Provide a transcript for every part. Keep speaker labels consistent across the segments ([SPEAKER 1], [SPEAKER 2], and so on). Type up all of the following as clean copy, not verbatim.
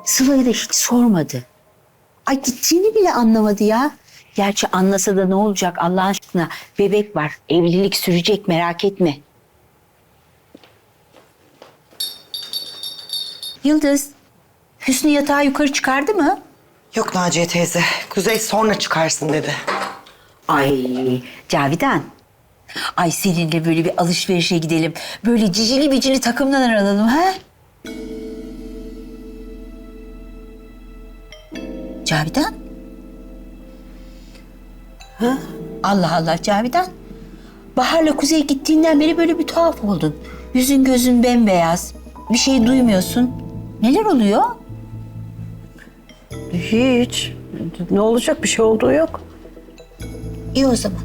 [SPEAKER 1] Sıla'ya da hiç sormadı. Ay gittiğini bile anlamadı ya. Gerçi anlasa da ne olacak Allah aşkına? Bebek var. Evlilik sürecek merak etme. Yıldız, Hüsnü yatağı yukarı çıkardı mı?
[SPEAKER 2] Yok Naciye teyze. Kuzey sonra çıkarsın dedi.
[SPEAKER 1] Ay Cavidan. Ay seninle böyle bir alışverişe gidelim. Böyle cicili bicili takımdan alalım ha? Cavidan. Ha? Allah Allah Cavidan. Bahar'la Kuzey gittiğinden beri böyle bir tuhaf oldun. Yüzün gözün bembeyaz. Bir şey duymuyorsun. Neler oluyor?
[SPEAKER 3] Hiç. Ne olacak? Bir şey olduğu yok.
[SPEAKER 1] İyi o zaman.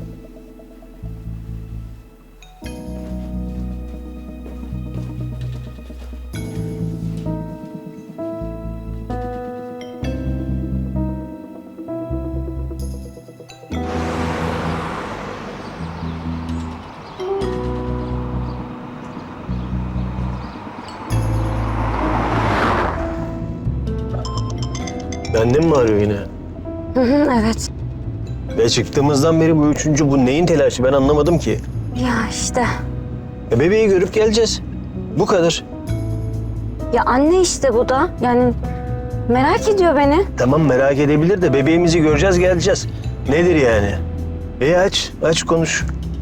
[SPEAKER 4] Benden mi arıyor yine?
[SPEAKER 5] Evet.
[SPEAKER 4] Ve çıktığımızdan beri bu üçüncü, bu neyin telaşı ben anlamadım ki.
[SPEAKER 5] Ya işte.
[SPEAKER 4] Bebeği görüp geleceğiz. Bu kadar.
[SPEAKER 5] Ya anne işte bu da. Yani merak ediyor beni.
[SPEAKER 4] Tamam merak edebilir de bebeğimizi göreceğiz geleceğiz. Nedir yani? Aç konuş.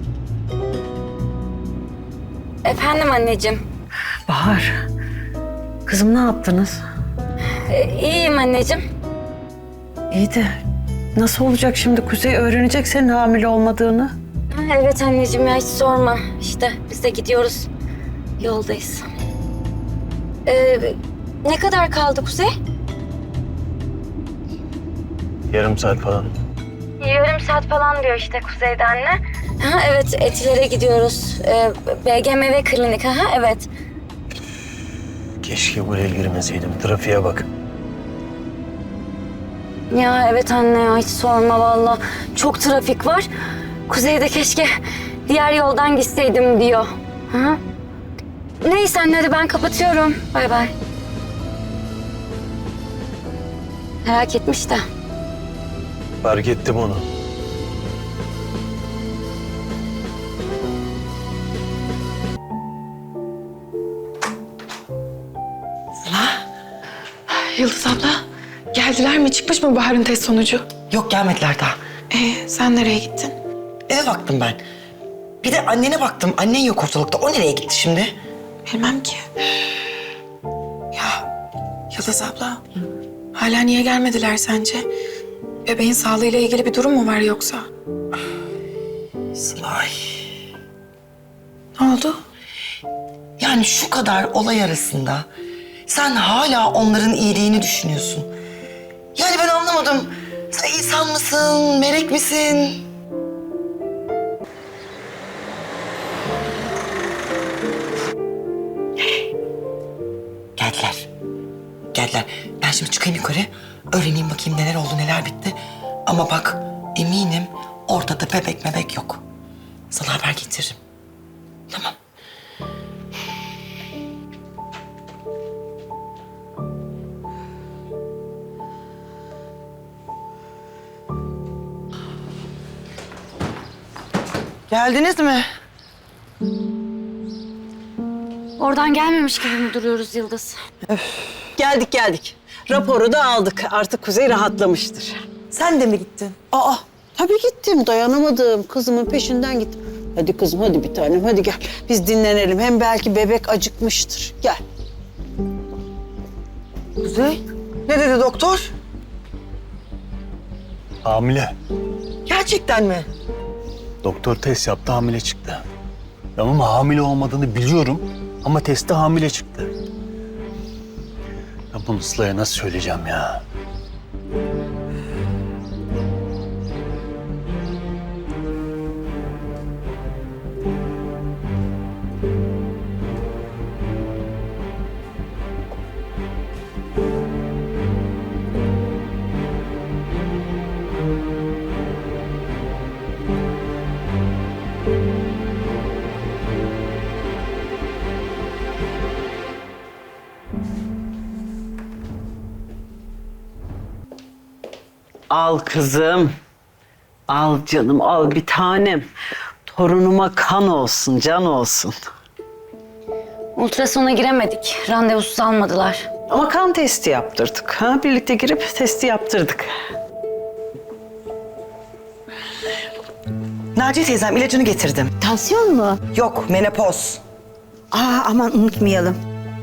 [SPEAKER 5] Efendim anneciğim.
[SPEAKER 3] Bahar. Kızım ne yaptınız?
[SPEAKER 5] İyiyim anneciğim.
[SPEAKER 3] İyi de nasıl olacak şimdi? Kuzey öğrenecek senin hamile olmadığını.
[SPEAKER 5] Evet anneciğim ya hiç sorma. İşte biz de gidiyoruz. Yoldayız. Ne kadar kaldı Kuzey?
[SPEAKER 4] Yarım saat falan.
[SPEAKER 5] Yarım saat falan diyor işte Kuzey'de anne. Ha, evet Etiler'e gidiyoruz. BGMV klinik ha evet.
[SPEAKER 4] Keşke buraya girmeseydim. Trafiğe bak.
[SPEAKER 5] Ya evet anne ya hiç sorma valla. Çok trafik var. Kuzey'de keşke diğer yoldan gitseydim diyor. Ha? Neyse anne hadi ben kapatıyorum. Bay bay. Merak etmiş de.
[SPEAKER 4] Fark ettim onu.
[SPEAKER 6] Yıldız abla, geldiler mi? Çıkmış mı Bahar'ın test sonucu?
[SPEAKER 2] Yok gelmediler daha.
[SPEAKER 6] Sen nereye gittin?
[SPEAKER 2] Eve baktım ben. Bir de annene baktım. Annen yok ortalıkta. O nereye gitti şimdi?
[SPEAKER 6] Bilmem ki. Ya Yıldız abla, hala niye gelmediler sence? Bebeğin sağlığıyla ilgili bir durum mu var yoksa?
[SPEAKER 2] Sılay.
[SPEAKER 6] Ne oldu?
[SPEAKER 2] Yani şu kadar olay arasında sen hala onların iyiliğini düşünüyorsun. Yani ben anlamadım. Sen insan mısın, melek misin? Geldiler. Geldiler. Ben şimdi çıkayım yukarı. Öğreneyim bakayım neler oldu, neler bitti. Ama bak eminim ortada bebek mebek yok. Sana haber getiririm. Tamam. Geldiniz mi?
[SPEAKER 5] Oradan gelmemiş gibi mi duruyoruz Yıldız?
[SPEAKER 7] Geldik. Raporu da aldık. Artık Kuzey rahatlamıştır.
[SPEAKER 2] Sen de mi gittin?
[SPEAKER 3] Aa tabii gittim. Dayanamadım. Kızımın peşinden gittim. Hadi kızım hadi bir tanem hadi gel. Biz dinlenelim. Hem belki bebek acıkmıştır. Gel.
[SPEAKER 2] Kuzey. Ne dedi doktor?
[SPEAKER 4] Hamile.
[SPEAKER 2] Gerçekten mi?
[SPEAKER 4] Doktor test yaptı, hamile çıktı. Ama hamile olmadığını biliyorum ama testte hamile çıktı. Ya bunu Sıla'ya nasıl söyleyeceğim ya?
[SPEAKER 7] Al kızım. Al canım, al bir tanem. Torunuma kan olsun, can olsun.
[SPEAKER 5] Ultrasona giremedik. Randevusuz almadılar.
[SPEAKER 7] Ama kan testi yaptırdık. Ha? Birlikte girip testi yaptırdık.
[SPEAKER 2] Naciye teyzem ilacını getirdim.
[SPEAKER 1] Tansiyon mu?
[SPEAKER 2] Yok, menopoz.
[SPEAKER 1] Aman unutmayalım.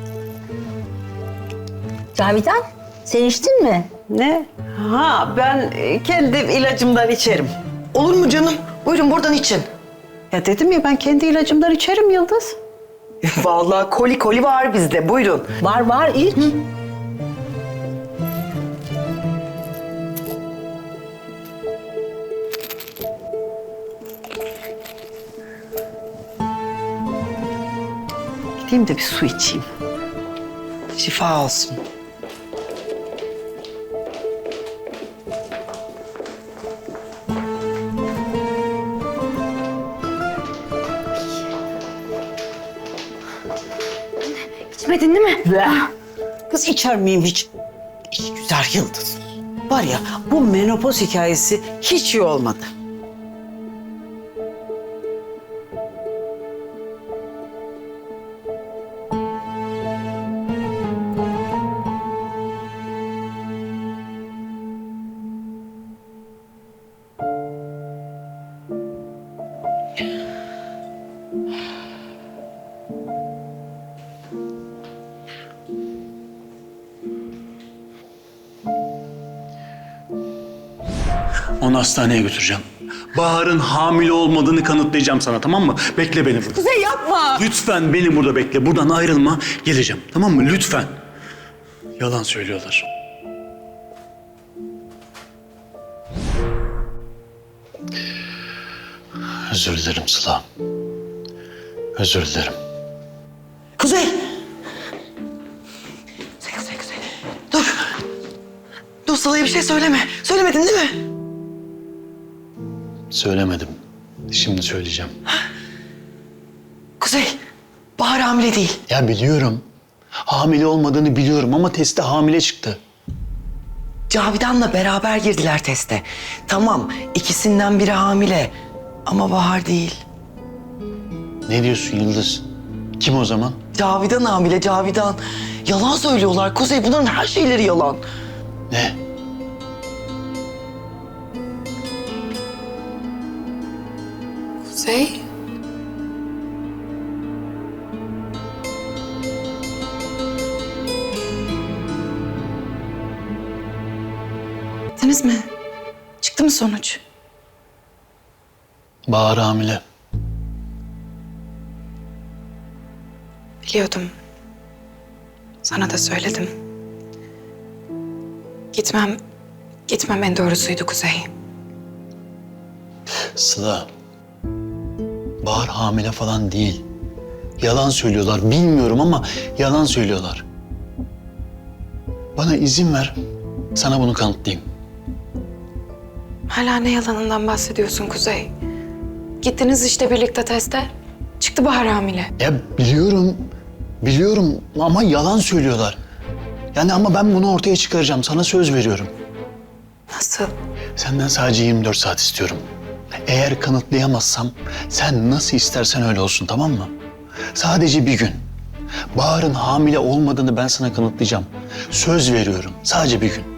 [SPEAKER 1] Cavidan, sen içtin mi?
[SPEAKER 7] Ne? Ha, ben kendi ilacımdan içerim.
[SPEAKER 2] Olur mu canım? Buyurun buradan için.
[SPEAKER 7] Ya dedim ya, ben kendi ilacımdan içerim Yıldız.
[SPEAKER 2] Vallahi koli var bizde. Buyurun.
[SPEAKER 1] Var iç.
[SPEAKER 7] Gideyim de bir su içeyim.
[SPEAKER 2] Şifa olsun.
[SPEAKER 5] İçmedin değil mi?
[SPEAKER 7] Kız içer miyim hiç? İyi güzel Yıldız. Var ya, bu menopoz hikayesi hiç iyi olmadı.
[SPEAKER 4] Onu hastaneye götüreceğim. Bahar'ın hamile olmadığını kanıtlayacağım sana, tamam mı? Bekle beni burada.
[SPEAKER 6] Kuzey yapma.
[SPEAKER 4] Lütfen beni burada bekle. Buradan ayrılma. Geleceğim. Tamam mı? Lütfen. Yalan söylüyorlar. Özür dilerim Sıla. Özür dilerim.
[SPEAKER 2] Kuzey! Kuzey. Dur. Dur, Sıla'ya bir şey söyleme. Söylemedin değil mi?
[SPEAKER 4] Söylemedim. Şimdi söyleyeceğim.
[SPEAKER 2] Kuzey, Bahar hamile değil.
[SPEAKER 4] Ya biliyorum. Hamile olmadığını biliyorum ama testte hamile çıktı.
[SPEAKER 2] Cavidan'la beraber girdiler teste. Tamam, ikisinden biri hamile. Ama Bahar değil.
[SPEAKER 4] Ne diyorsun Yıldız? Kim o zaman?
[SPEAKER 2] Cavidan hamile, Cavidan. Yalan söylüyorlar Kuzey. Bunların her şeyleri yalan.
[SPEAKER 4] Ne?
[SPEAKER 6] Kuzey. Gittiniz mi? Çıktı mı sonuç?
[SPEAKER 4] Bahar hamile.
[SPEAKER 6] Biliyordum. Sana da söyledim. Gitmem en doğrusuydu Kuzey.
[SPEAKER 4] Sıla. Bahar hamile falan değil. Yalan söylüyorlar. Bilmiyorum ama yalan söylüyorlar. Bana izin ver. Sana bunu kanıtlayayım.
[SPEAKER 6] Hala ne yalanından bahsediyorsun Kuzey? Gittiniz işte birlikte teste. Çıktı Bahar hamile.
[SPEAKER 4] Ya biliyorum. Biliyorum ama yalan söylüyorlar. Yani ama ben bunu ortaya çıkaracağım. Sana söz veriyorum.
[SPEAKER 6] Nasıl?
[SPEAKER 4] Senden sadece 24 saat istiyorum. Eğer kanıtlayamazsam sen nasıl istersen öyle olsun, tamam mı? Sadece bir gün. Bahar'ın hamile olmadığını ben sana kanıtlayacağım. Söz veriyorum. Sadece bir gün.